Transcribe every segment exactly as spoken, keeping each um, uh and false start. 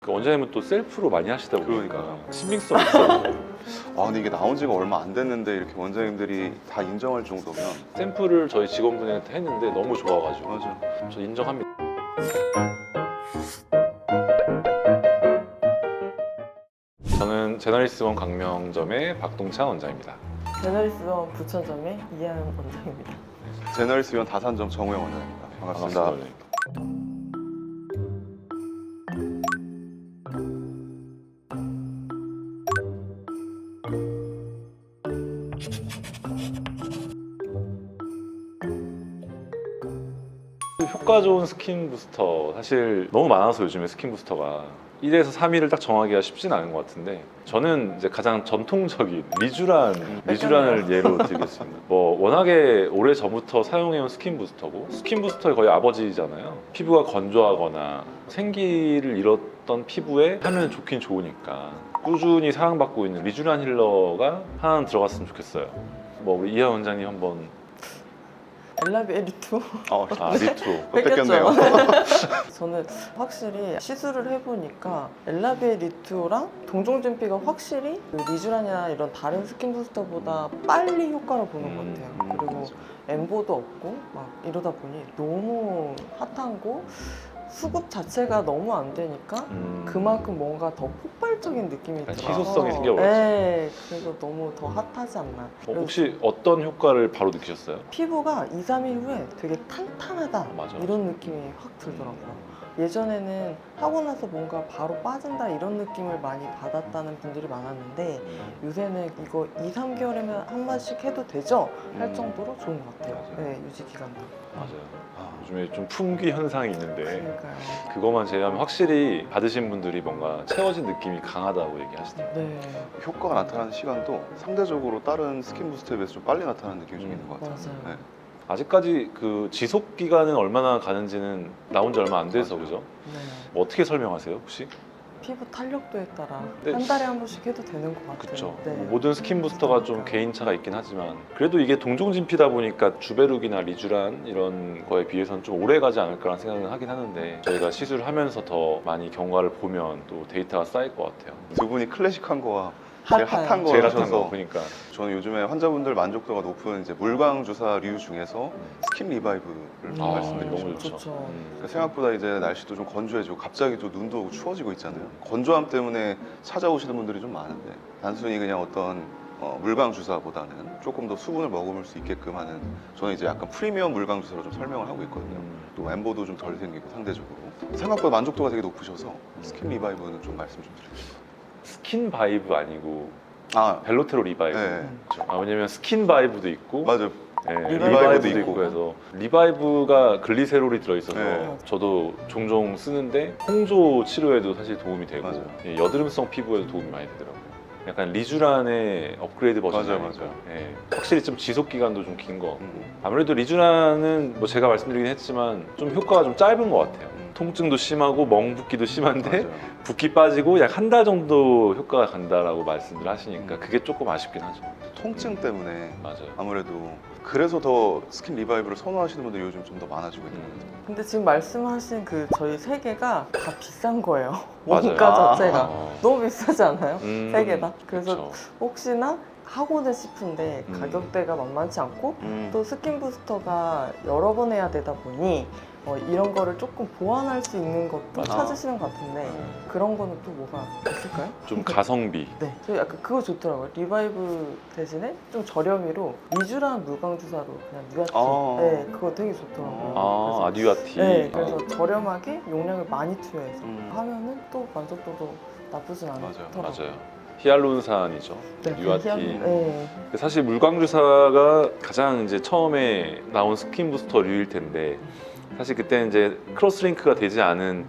그 원장님은 또 셀프로 많이 하시다 보니까 그러니까요. 신빙성 있어요. 아 근데 이게 나온 지가 얼마 안 됐는데 이렇게 원장님들이 다 인정할 정도면 샘플을 저희 직원분한테 했는데 너무 좋아가지고 맞아. 저 인정합니다. 저는 제너리스원 강명점의 박동찬 원장입니다. 제너리스원 부천점의 이하연 원장입니다. 제너리스 위원 다산점 정우영 원장입니다. 반갑습니다. 반갑습니다. 효과 좋은 스킨 부스터 사실 너무 많아서 요즘에 스킨 부스터가 일에서 삼 일을 딱 정하기가 쉽진 않은 것 같은데 저는 이제 가장 전통적인 리쥬란, 리쥬란을 예로 들겠습니다. 뭐 워낙에 오래 전부터 사용해온 스킨 부스터고 스킨 부스터의 거의 아버지잖아요. 피부가 건조하거나 생기를 잃었던 피부에 하면 좋긴 좋으니까 꾸준히 사랑받고 있는 리쥬란 힐러가 하나 들어갔으면 좋겠어요. 뭐 우리 이하 원장님 한번. 엘라비에 리투 어, 아 리투. 또 뺏겼네요. 저는 확실히 시술을 해보니까 엘라비에 리투랑 동종진피가 확실히 그 리쥬란이나 이런 다른 스킨 부스터보다 빨리 효과를 보는 것 같아요. 음, 그리고 맞아. 엠보도 없고 막 이러다 보니 너무 핫한고 수급 자체가 너무 안 되니까 음. 그만큼 뭔가 더 폭발적인 느낌이 약간 들어서 희소성이 생겨버렸죠. 네, 그래서 너무 더 핫하지 않나. 어, 혹시 어떤 효과를 바로 느끼셨어요? 피부가 이, 삼 일 후에 되게 탄탄하다 아, 맞아, 이런 느낌이 확 들더라고요. 예전에는 하고 나서 뭔가 바로 빠진다 이런 느낌을 많이 받았다는 분들이 많았는데 요새는 이거 이, 삼 개월이면 한 번씩 해도 되죠? 할 음. 정도로 좋은 것 같아요. 맞아요. 네, 유지 기간도. 맞아요. 요즘에 좀 품귀 현상이 있는데 그러니까요. 그것만 제외하면 확실히 받으신 분들이 뭔가 채워진 느낌이 강하다고 얘기하시더라고요. 네, 효과가 나타나는 시간도 상대적으로 다른 스킨 부스터에 비해서 좀 빨리 나타나는 느낌이 좀 있는 것 같아요. 맞아요. 네. 아직까지 그 지속 기간은 얼마나 가는지는 나온 지 얼마 안 돼서 맞아요. 그죠? 네. 뭐 어떻게 설명하세요 혹시? 피부 탄력도에 따라 네. 한 달에 한 번씩 해도 되는 것 같아요. 그쵸. 네. 뭐 모든 스킨 부스터가 좀 개인차가 있긴 하지만 그래도 이게 동종진피다 보니까 주베룩이나 리쥬란 이런 거에 비해서는 좀 오래 가지 않을까라는 생각은 하긴 하는데 저희가 시술을 하면서 더 많이 경과를 보면 또 데이터가 쌓일 것 같아요. 두 분이 클래식한 거와 제일 핫한. 핫한 거 제일 핫한 하셔서 거 보니까 저는 요즘에 환자분들 만족도가 높은 이제 물광 주사류 중에서 스킨 리바이브를 음. 아, 말씀드리고 너무 싶어요. 좋죠. 좋죠. 음. 생각보다 이제 날씨도 좀 건조해지고 갑자기 또 눈도 오고 추워지고 있잖아요. 건조함 때문에 찾아오시는 분들이 좀 많은데 단순히 그냥 어떤 어, 물광 주사보다는 조금 더 수분을 머금을 수 있게끔 하는 저는 이제 약간 프리미엄 물광 주사로 좀 설명을 하고 있거든요. 음. 또 엠보도 좀 덜 생기고 상대적으로 생각보다 만족도가 되게 높으셔서 스킨 리바이브는 좀 말씀 좀 드리고 싶어요. 스킨 바이브 아니고 아, 벨로테로 리바이브. 네. 그렇죠. 아, 왜냐면 스킨 바이브도 있고 맞아요. 네, 리바이브도 리바이브도 있고. 있고 그래서 리바이브가 글리세롤이 들어있어서 네. 저도 종종 쓰는데 홍조 치료에도 사실 도움이 되고 맞아요. 예, 여드름성 피부에도 도움이 많이 되더라고요. 약간 리쥬란의 업그레이드 버전이니까 맞아요, 맞아요. 예, 확실히 좀 지속 기간도 좀 긴 것 같고 음. 아무래도 리쥬란은 뭐 제가 말씀드리긴 했지만 좀 효과가 좀 짧은 것 같아요. 음. 통증도 심하고 멍붓기도 심한데 맞아요. 붓기 빠지고 약 한 달 정도 효과가 간다라고 말씀들 하시니까 음. 그게 조금 아쉽긴 하죠. 통증 때문에 맞아요. 아무래도 그래서 더 스킨 리바이브를 선호하시는 분들이 요즘 좀 더 많아지고 있는 것 같아요. 근데 지금 말씀하신 그 저희 세 개가 다 비싼 거예요. 맞아요. 원가 아. 자체가 어. 너무 비싸지 않아요? 음, 세 개 다. 그래서 그쵸. 혹시나 하고는 싶은데 음. 가격대가 만만치 않고 음. 또 스킨 부스터가 여러 번 해야 되다 보니 어, 이런 거를 조금 보완할 수 있는 것도 맞아. 찾으시는 것 같은데 어, 그런 거는 또 뭐가 있을까요? 좀 가성비. 네, 저 약간 그거 좋더라고요. 리바이브 대신에 좀 저렴이로 리쥬란 물광 주사로 그냥 뉴아티. 아. 네, 그거 되게 좋더라고요. 아, 아듀아티. 네, 그래서 저렴하게 용량을 많이 투여해서 음. 하면은 또 만족도도 나쁘진 않더라고요. 맞아요. 히알루론산이죠. 네, 뉴아티. 네. 사실 물광주사가 가장 이제 처음에 나온 스킨 부스터류일 텐데 사실 그때 이제 크로스링크가 되지 않은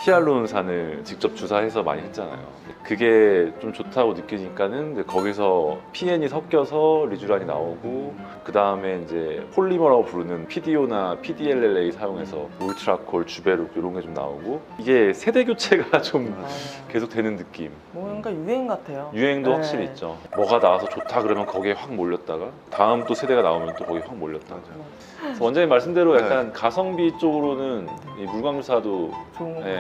히알루론산을 직접 주사해서 많이 했잖아요. 그게 좀 좋다고 느끼니까는 이제 거기서 피엔이 섞여서 리쥬란이 나오고 그 다음에 이제 폴리머라고 부르는 피디오나 피디엘엘에이 사용해서 울트라콜, 주베룩 이런 게 좀 나오고 이게 세대 교체가 좀 맞아요. 계속 되는 느낌. 뭔가 유행 같아요. 유행도 네. 확실히 있죠. 뭐가 나와서 좋다 그러면 거기에 확 몰렸다가 다음 또 세대가 나오면 또 거기에 확 몰렸다가. 맞아요. 그래서 원장님 말씀대로 네. 약간 가성비 쪽으로는 이 물광주사도 좋은 거 예,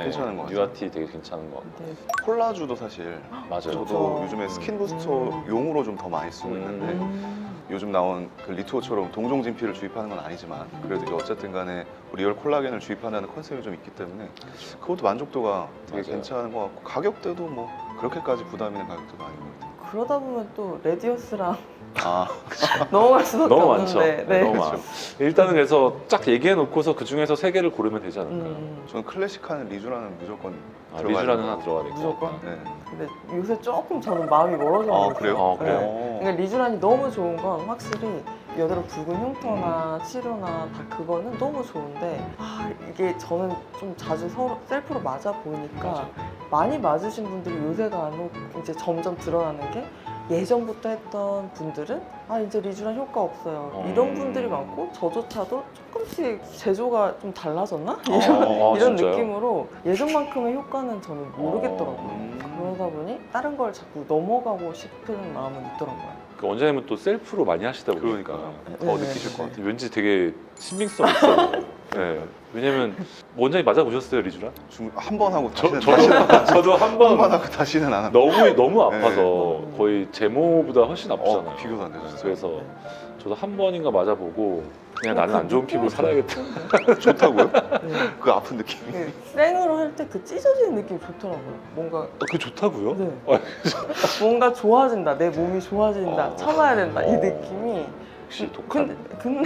괜찮은 것 같아요. 뉴아티 되게 괜찮은 것 같고. 네. 콜라주도 사실 맞아요. 저도 그렇죠. 요즘에 스킨 음. 부스터용으로 좀 더 많이 쓰고 음. 있는데 음. 요즘 나온 그 리투어처럼 동종 진피를 주입하는 건 아니지만 그래도 이제 어쨌든 간에 리얼 콜라겐을 주입한다는 컨셉이 좀 있기 때문에 그것도 만족도가 되게 맞아요. 괜찮은 것 같고 가격대도 뭐 그렇게까지 부담 있는 가격대도 아닌 것 같아요. 그러다 보면 또 레디어스랑 아, 넘어갈 수밖에 너무 많죠. 없는데. 네, 너무 그렇죠. 많아. 일단은 그래서 쫙 얘기해 놓고서 그 중에서 세 개를 고르면 되지 않을까요? 음. 저는 클래식한 리주라는 무조건 아, 들어가야 리쥬라는 되고. 하나 들어가야 될것 무조건? 같다. 네. 근데 요새 조금 저는 마음이 멀어져 아 그래요? 어, 그래요? 어. 그러니까 리쥬란이 너무 좋은 건 확실히 여드름 붉은 흉터나 치료나 다 그거는 너무 좋은데 아 이게 저는 좀 자주 서로 셀프로 맞아 보니까 맞아. 많이 맞으신 분들이 요새 간혹 이제 점점 드러나는 게 예전부터 했던 분들은 아 이제 리쥬란 효과 없어요 어. 이런 분들이 많고 저조차도 조금씩 제조가 좀 달라졌나? 어, 아, 이런 진짜요? 느낌으로 예전만큼의 효과는 저는 모르겠더라고요. 음. 그러다 보니 다른 걸 자꾸 넘어가고 싶은 마음은 있더라고요. 그 원장님은 또 셀프로 많이 하시다 보니까 그러니까요. 네, 더 네, 느끼실 네. 것 같아요. 왠지 되게 신빙성 있어요. 네. 왜냐면 원장님 맞아 보셨어요 리쥬란? 한 번 하고 저, 다시는 저도 저도 한 한 번 번 하고 다시는 안 합니다. 너무 너무 아파서 네. 거의 제모보다 훨씬 아프잖아요. 어, 비교도 안 되죠, 진짜. 그래서 네. 저도 한 번인가 맞아보고 그냥 나는 안 좋은 피부로 살아야겠다. 좋다고요? 네. 그 아픈 느낌이. 그 생으로 할 때 그 찢어지는 느낌이 좋더라고요. 뭔가 어, 그게 좋다고요? 네. 어, 뭔가 좋아진다. 내 몸이 좋아진다. 어. 참아야 된다. 이 어. 느낌이. 역시 독한. 근데 근데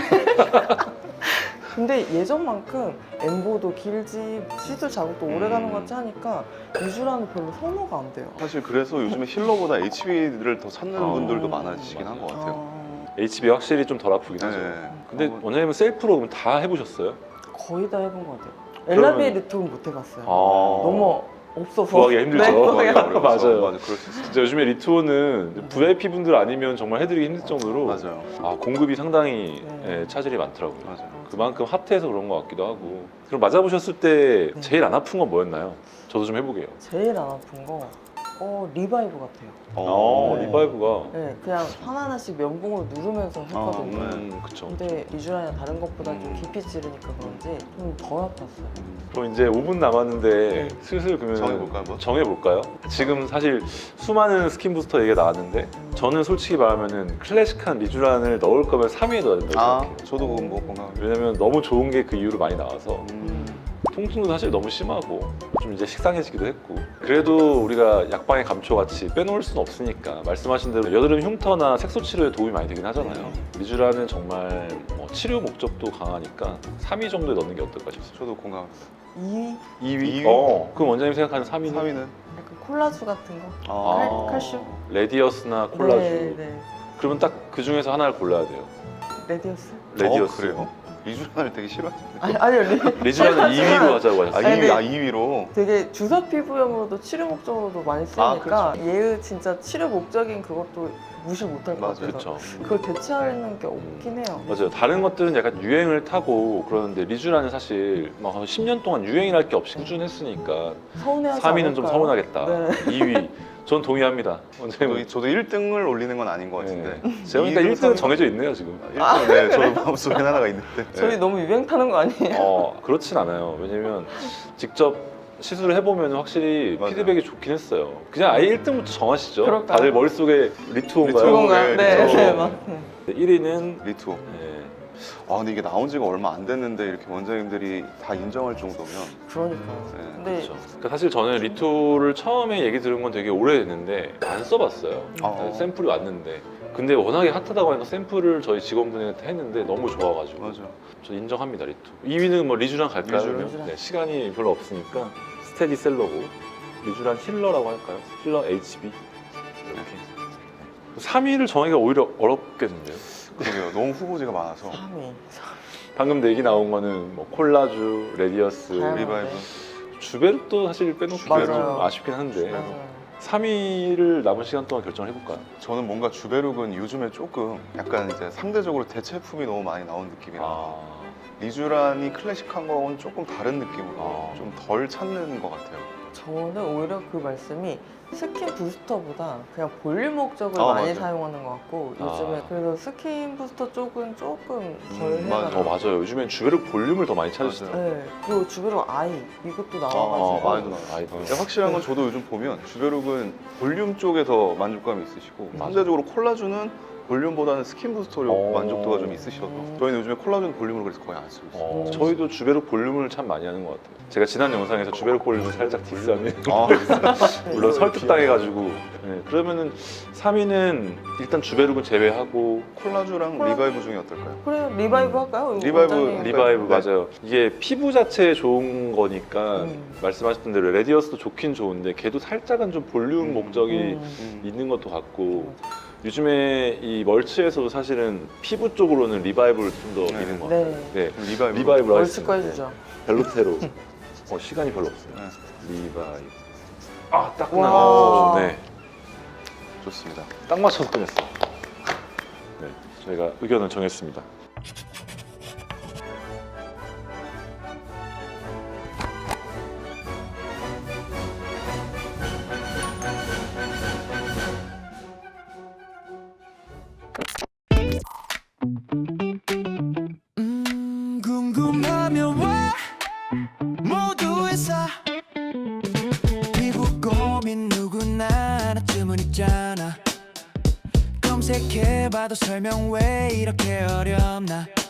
근데 예전만큼 엠보도 길지 시술 자국도 오래 가는 것 같이 하니까 리쥬란은 별로 선호가 안 돼요. 사실 그래서 요즘에 힐러보다 에이치비를 더 찾는 어. 분들도 많아지시긴 한 것 같아요. 아, 에이치비 확실히 좀 덜 아프긴 하죠. 네. 근데 어, 원장님은 셀프로 그럼 다 해보셨어요? 거의 다 해본 것 같아요. 그러면- 엘라비에 리톡은 못 해봤어요. 아. 너무 없어서. 구하기가 힘들죠. 네, 구하기 구하기가 어려워서. 맞아요. 맞아, 그럴 수 있어요. 진짜 요즘에 리투어는 브이아이피 분들 아니면 정말 해드리기 힘들 정도로 맞아요. 아, 공급이 상당히 네. 예, 차질이 많더라고요. 맞아요. 그만큼 핫해서 그런 것 같기도 하고. 그럼 맞아보셨을 때 네. 제일 안 아픈 건 뭐였나요? 저도 좀 해보게요. 제일 안 아픈 거, 어 리바이브 같아요. 어, 네. 리바이브가. 네, 그냥 하나하나씩 면봉으로 누르면서 했거든요. 네. 음, 그쵸. 근데 리쥬란이랑 다른 것보다 좀 음. 깊이 찌르니까 그런지 좀 덜 아팠어요. 그럼 이제 오 분 남았는데 네. 슬슬 그러면 정해볼까요, 한번? 정해볼까요? 지금 사실 수많은 스킨 부스터 얘기가 나왔는데 저는 솔직히 말하면은 클래식한 리쥬란을 넣을 거면 삼 위에 넣어야 된다고 아, 생각해요. 저도 그건 뭐 건강. 왜냐면 너무 좋은 게 그 이후로 많이 나와서 음. 통증도 사실 너무 심하고 좀 이제 식상해지기도 했고 그래도 우리가 약방의 감초같이 빼놓을 수는 없으니까 말씀하신 대로 여드름 흉터나 색소 치료에 도움이 많이 되긴 하잖아요. 리쥬란은 정말 뭐 치료 목적도 강하니까 삼 위 정도에 넣는 게 어떨까 싶습니다. 저도 공감합니다. 이 위? 이 위? 이 위? 어, 그럼 원장님 생각하는 삼 위는? 삼 위는 약간 콜라주 같은 거? 아. 칼- 칼슘? 레디어스나 콜라주. 네, 네. 그러면 딱 그 중에서 하나를 골라야 돼요. 레디어스? 레디어스. 어, 그래요? 리쥬란을 되게 싫어하시네. 아니, 아니요. 리, 리쥬란은 이 위로 하자고 아, 하셨어요. 아니, 이 위, 근데- 아, 이 위로. 되게 주사 피부염으로도 치료 목적으로도 많이 쓰니까 아, 얘의 진짜 치료 목적인 그것도 무시 못할 것 맞아요. 같아서 그렇죠. 그걸 대체하는 게 없긴 해요. 맞아요. 다른 것들은 약간 유행을 타고 그러는데 리쥬란은 사실 막 한 십 년 동안 유행이랄 게 없이 꾸준했으니까 서운해하지 삼 위는 좀 않을까요? 서운하겠다. 네. 이 위. 전 동의합니다. 저도, 원장님. 저도 일 등을 올리는 건 아닌 것 같은데. 네. 제가 보니까 이 등, 일 등은 삼 등. 정해져 있네요, 지금. 일 등, 네, 저도 마음속에 하나가 있는데. 저희 네. 너무 유행 타는 거 아니에요? 어, 그렇진 않아요. 왜냐면 직접 시술을 해보면 확실히 맞아요. 피드백이 좋긴 했어요. 그냥 아예 일 등부터 정하시죠. 그럴까요? 다들 머릿속에 리투어인가요? 리투어. 그건가? 네, 네, 그렇죠. 네, 맞 네. 일 위는 리투어. 네. 아, 근데 이게 나온 지가 얼마 안 됐는데 이렇게 원장님들이 다 인정할 정도면. 그러니까요. 네, 근데 그렇죠. 그러니까 사실 저는 리투를 처음에 얘기 들은 건 되게 오래됐는데 안 써봤어요. 아. 네, 샘플이 왔는데 근데 워낙에 핫하다고 하니까 샘플을 저희 직원분한테 했는데 너무 좋아가지고 맞아요. 저 인정합니다 리투. 이 위는 뭐 리쥬란 갈까요? 리쥬란. 그러면? 리쥬란. 네, 시간이 별로 없으니까 스테디셀러고 리쥬란 힐러라고 할까요? 힐러 에이치비 이렇게. 삼 위를 정하기가 오히려 어렵겠는데요. 그러게요. 너무 후보지가 많아서. 삼 위. 방금 얘기 나온 거는 뭐 콜라주, 레디어스, 다양한- 리바이브. 주베르도 사실 빼놓기 좀 맞아요. 아쉽긴 한데 맞아요. 삼 위를 남은 시간 동안 결정을 해볼까요? 저는 뭔가 주베룩은 요즘에 조금 약간 이제 상대적으로 대체품이 너무 많이 나온 느낌이라 아, 리쥬란이 클래식한 거는 조금 다른 느낌으로 아. 좀 덜 찾는 것 같아요. 저는 오히려 그 말씀이 스킨 부스터보다 그냥 볼륨 목적을 아, 많이 맞아요. 사용하는 것 같고 요즘에 아. 그래서 스킨 부스터 쪽은 조금 덜 음, 해가 맞아요. 어 맞아요. 요즘엔 주베르 볼륨을 더 많이 찾으시더라고요. 네, 그리고 주변으로 아이 이것도 아, 나와가지고 많이 나와요. 아이폰. 근데 확실한 건 저도 요즘 보면 주베룩은 볼륨 쪽에 더 만족감이 있으시고 맞아. 상대적으로 콜라주는 볼륨보다는 스킨 부스터로 어. 만족도가 좀 있으셔서 음. 저희는 요즘에 콜라겐 볼륨을 그래서 거의 안 쓰고 있어요. 어, 음. 저희도 주베르 볼륨을 참 많이 하는 것 같아요. 제가 지난 영상에서 주베르 볼륨을 살짝 디스하면 아, 물론 설득당해가지고 네, 그러면은 삼 위는 일단 주베룩은 제외하고 콜라주랑 콜라- 리바이브 중에 어떨까요? 그래 리바이브 할까요? 이거 리바이브, 원장님. 리바이브 네. 맞아요. 이게 피부 자체에 좋은 거니까 음. 말씀하셨던 대로 레디어스도 좋긴 좋은데 걔도 살짝은 좀 볼륨 음. 목적이 음. 음. 있는 것도 같고 요즘에 이 멀치에서도 사실은 피부 쪽으로는 리바이브를 좀 더 네. 미는 것 같아요. 네 네, 리바이브. 리바이브로 멀치거 하겠습니다. 해주죠. 벨로테로. 어, 시간이 별로 없어요. 네, 리바이브. 아, 딱 와. 끝나네. 네, 좋습니다. 딱 맞춰서 끝냈어요. 네, 저희가 의견을 정했습니다. 음, 궁금하면 왜 모두 회사 피부 고민 누구나 하나쯤은 있잖아 검색해봐도 설명 왜 이렇게 어렵나